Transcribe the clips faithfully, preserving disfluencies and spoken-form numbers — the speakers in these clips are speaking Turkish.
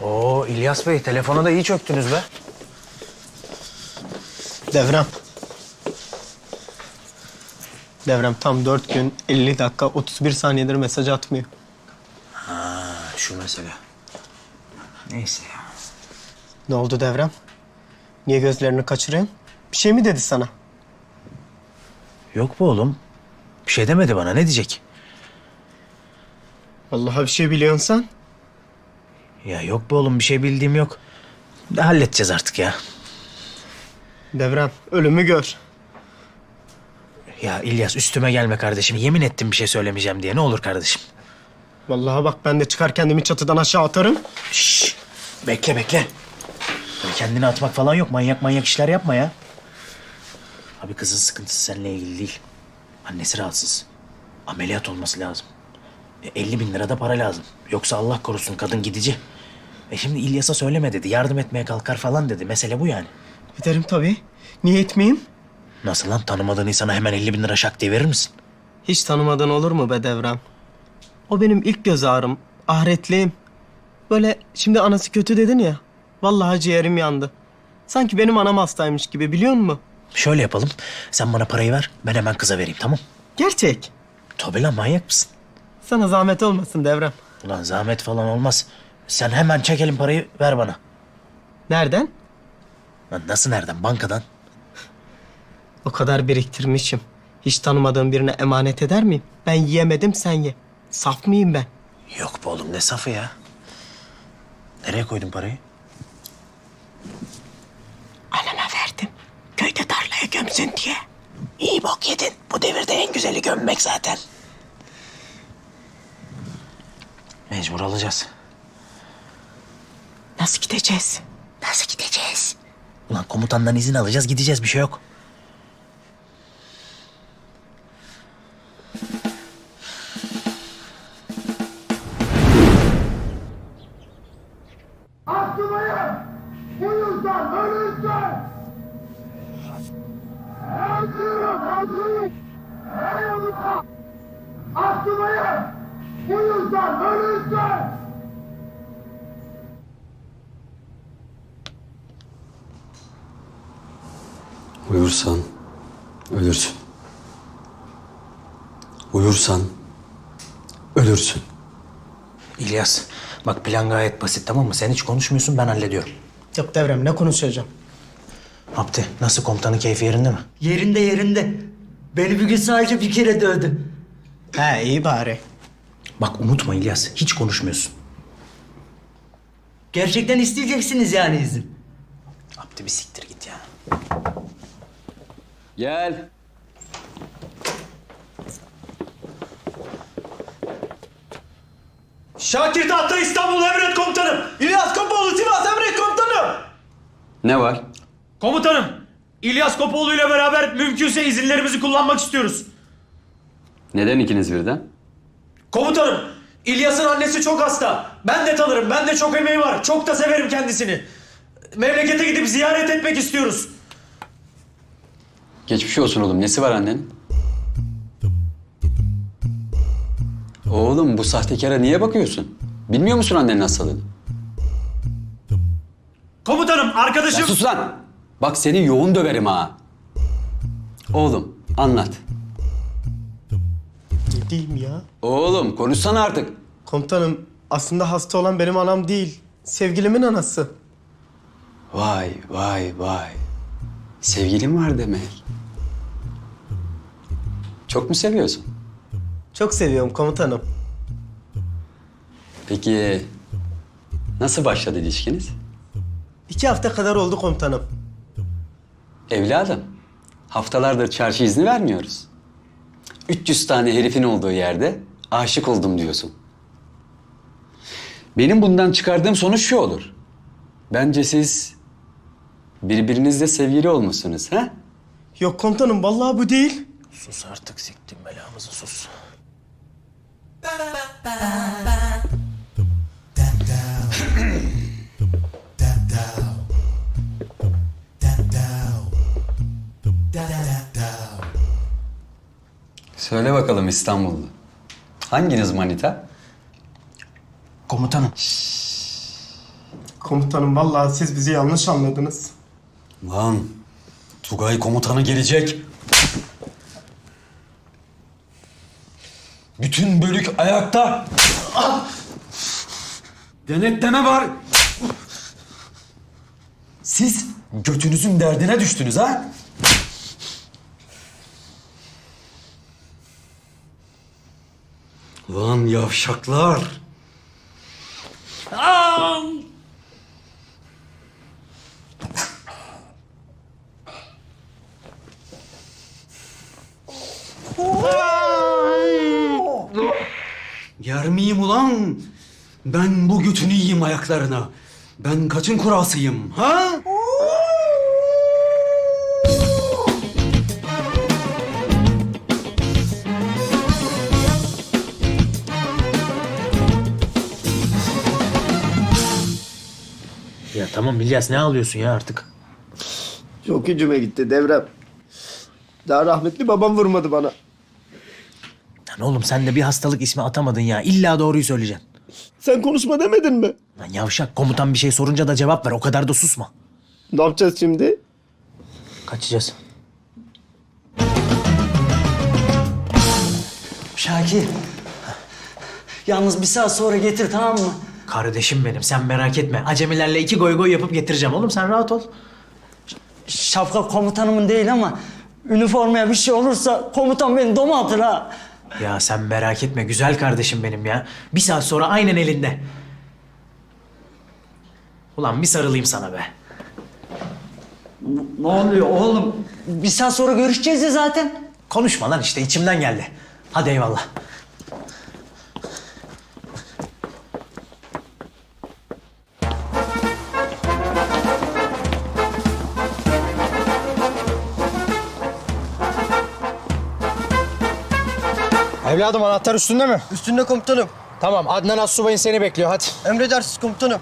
Oo İlyas Bey, telefona da iyi çöktünüz be. Devrem. Devrem tam dört gün elli dakika otuz bir saniyedir mesaj atmıyor. Ha, şu mesele. Neyse ya. Ne oldu Devrem? Niye gözlerini kaçırıyorsun? Bir şey mi dedi sana? Yok bu oğlum. Bir şey demedi bana. Ne diyecek? Vallahi bir şey biliyorsan. Ya yok bu oğlum. Bir şey bildiğim yok. De halledeceğiz artık ya. Devrem ölümü gör. Ya İlyas üstüme gelme kardeşim. Yemin ettim bir şey söylemeyeceğim diye. Ne olur kardeşim. Vallahi bak ben de çıkar kendimi çatıdan aşağı atarım. Şşş. Bekle bekle. Böyle kendini atmak falan yok. Manyak manyak işler yapma ya. Abi kızın sıkıntısı seninle ilgili değil. Annesi rahatsız. Ameliyat olması lazım. E, elli bin lira da para lazım. Yoksa Allah korusun kadın gidici. E şimdi İlyas'a söyleme dedi. Yardım etmeye kalkar falan dedi. Mesele bu yani. Giderim tabii. Niye etmeyeyim? Nasıl lan? Tanımadığın insana hemen elli bin lira şak diye verir misin? Hiç tanımadığın olur mu be Devrem? O benim ilk göz ağrım. Ahiretliğim. Böyle şimdi anası kötü dedin ya. Vallahi ciğerim yandı. Sanki benim anam hastaymış gibi biliyor musun? Şöyle yapalım. Sen bana parayı ver. Ben hemen kıza vereyim, tamam? Gerçek. Tabii lan, manyak mısın? Sana zahmet olmasın Devrem. Ulan zahmet falan olmaz. Sen hemen çekelim parayı, ver bana. Nereden? Lan nasıl nereden? Bankadan. O kadar biriktirmişim. Hiç tanımadığım birine emanet eder miyim? Ben yiyemedim sen ye. Saf mıyım ben? Yok be oğlum, ne safı ya? Nereye koydun parayı? Anama verdim. Köyde tarlaya gömsün diye. İyi bok yedin. Bu devirde en güzeli gömmek zaten. Mecbur alacağız. Nasıl gideceğiz? Nasıl gideceğiz? Ulan komutandan izin alacağız, gideceğiz. Bir şey yok. Atmayın! Bu yüzden ölürse! Öldürün, öldürün! Ey yanıta! Atmayın! Bu yüzden ölürse! Uyursan ölürsün. Uyursan ölürsün. İlyas, bak plan gayet basit, tamam mı? Sen hiç konuşmuyorsun, ben hallediyorum. Yok Devrem ne konuşacağım? Abdi, nasıl, komutanın keyfi yerinde mi? Yerinde yerinde. Beni bir gün sadece bir kere dövdü. He iyi bari. Bak unutma İlyas, hiç konuşmuyorsun. Gerçekten isteyeceksiniz yani izin. Abdi bir siktir git ya. Gel. Şakir Tahta İstanbul Emret Komutanım. İlyas Kopoğlu Sivas Emret Komutanım. Ne var? Komutanım, İlyas Kopoğlu ile beraber mümkünse izinlerimizi kullanmak istiyoruz. Neden ikiniz birden? Komutanım, İlyas'ın annesi çok hasta. Ben de tanırım, ben de çok emeği var. Çok da severim kendisini. Memlekete gidip ziyaret etmek istiyoruz. Geçmiş olsun oğlum. Nesi var annenin? Oğlum bu sahtekara niye bakıyorsun? Bilmiyor musun annenin hastalığını? Komutanım, Ya arkadaşım... sus lan! Bak seni yoğun döverim ha. Oğlum anlat. Ne diyeyim ya? Oğlum konuşsana artık. Komutanım aslında hasta olan benim anam değil. Sevgilimin anası. Vay vay vay. Sevgilin var demek. Çok mu seviyorsun? Çok seviyorum komutanım. Peki nasıl başladı ilişkiniz? İki hafta kadar oldu komutanım. Evladım, haftalardır çarşı izni vermiyoruz. üç yüz tane herifin olduğu yerde aşık oldum diyorsun. Benim bundan çıkardığım sonuç şu olur. Bence siz birbirinizle sevgili olmuşsunuz, ha? Yok komutanım vallahi bu değil. Sus artık, siktim belamızı, sus. Söyle bakalım İstanbullu. Hanginiz manita? Komutanım. Komutanım vallahi siz bizi yanlış anladınız. Lan Tugay komutanı gelecek. Bütün bölük ayakta. Ah! Denetleme var. Siz götünüzün derdine düştünüz ha? Lan yavşaklar. Yer miyim ulan? Ben bu götünü yiyeyim ayaklarına. Ben kaçın kurasıyım ha? Ya tamam İlyas, ne ağlıyorsun ya artık? Çok gücüme gitti Devrem. Daha rahmetli babam vurmadı bana. Lan oğlum sen de bir hastalık ismi atamadın ya. İlla doğruyu söyleyeceksin. Sen konuşma demedin mi? Lan yavşak, komutan bir şey sorunca da cevap ver. O kadar da susma. Ne yapacağız şimdi? Kaçacağız. Şakir. Yalnız bir saat sonra getir, tamam mı? Kardeşim benim, sen merak etme. Acemilerle iki goy goy yapıp getireceğim oğlum, sen rahat ol. Şapka komutanımın değil ama üniformaya bir şey olursa komutan beni doma atır ha. Ya sen merak etme güzel kardeşim benim ya. Bir saat sonra aynen elinde. Ulan bir sarılayım sana be. Ne oluyor oğlum? Bir saat sonra görüşeceğiz ya zaten. Konuşma lan, işte içimden geldi. Hadi eyvallah. Evladım anahtar üstünde mi? Üstünde komutanım. Tamam, Adnan Assubay'ın seni bekliyor, hadi. Emredersiniz komutanım.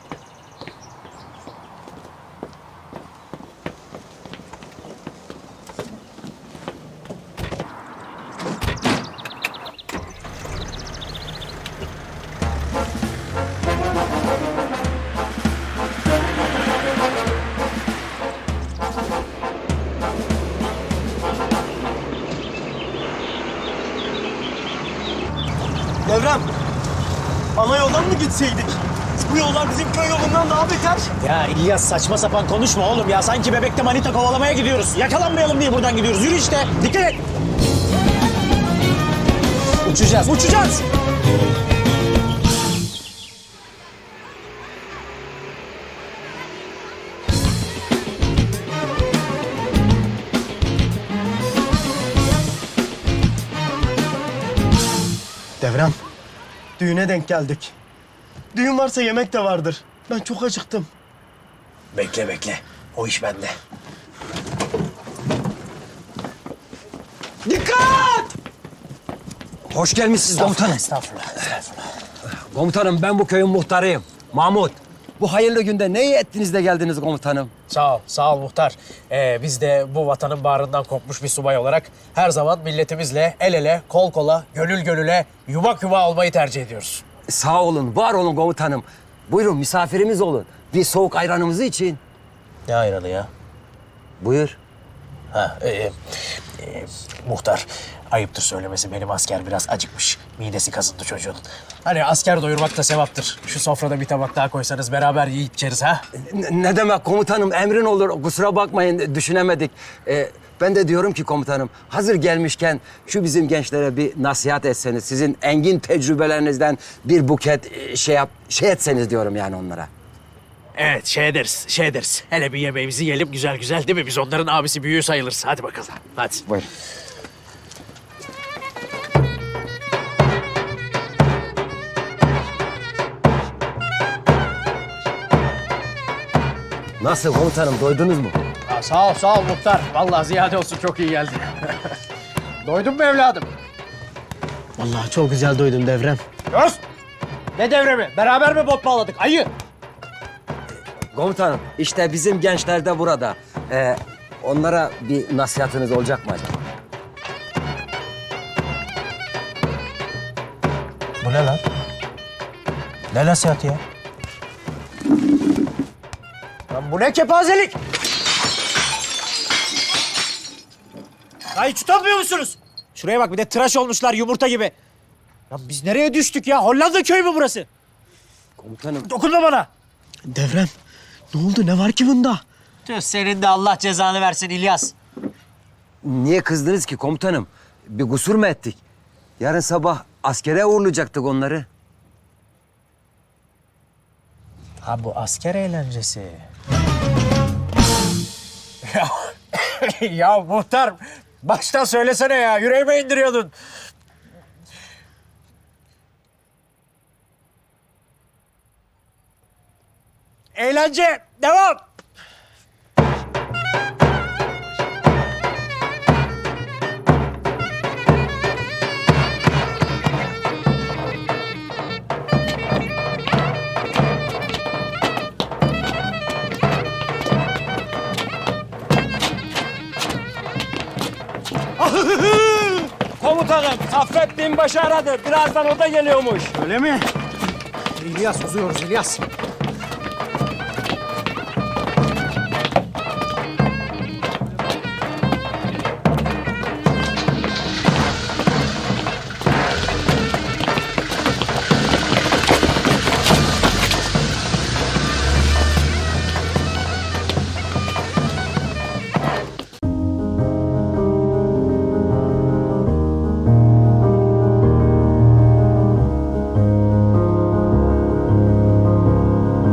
Devrem, ana yoldan mı gitseydik? Bu yollar bizim köy yolundan daha beter. Ya İlyas saçma sapan konuşma oğlum ya. Sanki bebekte manita kovalamaya gidiyoruz. Yakalanmayalım diye buradan gidiyoruz. Yürü işte. Dikkat et. Uçacağız, uçacağız. Devrem, Düğüne denk geldik. Düğün varsa yemek de vardır. Ben çok acıktım. Bekle bekle. O iş bende. Hoş gelmişsiniz komutanım. Estağfurullah, estağfurullah. Komutanım ben bu köyün muhtarıyım. Mahmut. Bu hayırlı günde ne iyi ettiniz de geldiniz komutanım. Sağ ol, sağ ol muhtar. Ee, biz de bu vatanın bağrından kopmuş bir subay olarak her zaman milletimizle el ele, kol kola, gönül gönüle, yumak yuva olmayı tercih ediyoruz. Sağ olun, var olun komutanım. Buyurun misafirimiz olun. Bir soğuk ayranımızı için. Ne ayranı ya? Buyur. Ha, e, e, muhtar, ayıptır söylemesi, benim asker biraz acıkmış. Midesi kazındı çocuğun. Hani asker doyurmak da sevaptır. Şu sofrada bir tabak daha koysanız beraber yiyip içeriz ha? Ne, ne demek komutanım, emrin olur. Kusura bakmayın, düşünemedik. Ee, ben de diyorum ki komutanım, hazır gelmişken şu bizim gençlere bir nasihat etseniz, sizin engin tecrübelerinizden bir buket e, şey yap, şey etseniz diyorum yani onlara. Evet, şey ederiz, şey ederiz. Hele bir yemeğimizi yiyelim güzel güzel, değil mi? Biz onların abisi büyüğü sayılırız. Hadi bakalım, hadi. Buyurun. Nasıl komutanım, doydunuz mu? Ha, sağ ol, sağ ol muhtar. Vallahi ziyade olsun, çok iyi geldi. Doydun mu evladım? Vallahi çok güzel doydum Devrem. Göz! Ne devremi? Beraber mi bot bağladık? Ayı! Komutanım, işte bizim gençler de burada. Ee, onlara bir nasihatiniz olacak mı acaba? Bu ne lan? Ne nasihatı ya? Lan bu ne kepazelik? Ya hiç utanmıyor musunuz? Şuraya bak bir de tıraş olmuşlar yumurta gibi. Ya biz nereye düştük ya? Hollanda köyü mü burası? Komutanım. Dokunma bana. Devrem ne oldu ne var ki bunda? Tüh, senin de Allah cezanı versin İlyas. Niye kızdınız ki komutanım? Bir kusur mu ettik? Yarın sabah askere uğurlayacaktık onları. Ha bu asker eğlencesi. Ya muhtar baştan söylesene ya, yüreğime indiriyordun. Eğlence devam. Komutanım, Saffet Binbaşı aradı. Birazdan o da geliyormuş. Öyle mi? İlyas uzuyoruz İlyas.